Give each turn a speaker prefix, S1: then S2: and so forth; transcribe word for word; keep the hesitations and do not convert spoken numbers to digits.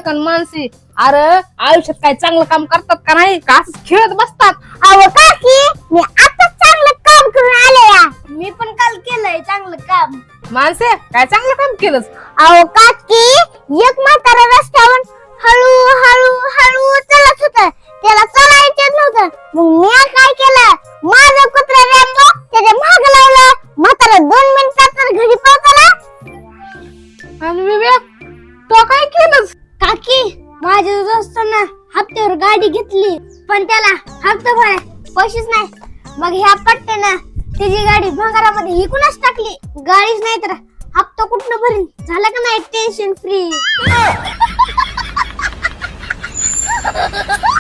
S1: बायका आणि माणसे अरे आयुष्यात काय चांगलं काम करतात का नाही का असंच खेळत बसतात.
S2: अहो काकी मी आता चांगलं काम करून आले या. मी पण काल केलंय चांगलं काम.
S1: माणसे काय चांगलं काम केलंस.
S2: अहो काकी एक म्हातारा रस्त्यावर हळू हळू हळू चालत होत. त्याला चालायचं नव्हतं. मग मी काय केलं माझं कुत्रा रॅम्बो त्याच्या माग लावलं. म्हातारा दोन मिनिटात तर घरी पोहोचला.
S1: आणि विवेक तो काय केलंस.
S2: काकी माझ्या दोस्तानं हप्त्यावर गाडी घेतली पण त्याला हप्ता भराय पैसेच नाही. मग ह्या पट्ट्यानं त्याची गाडी भंगारामध्ये हिकूनच टाकली. गाडीच नाही तर हप्ता कुठनं भरीन. झालं का नाही टेन्शन फ्री.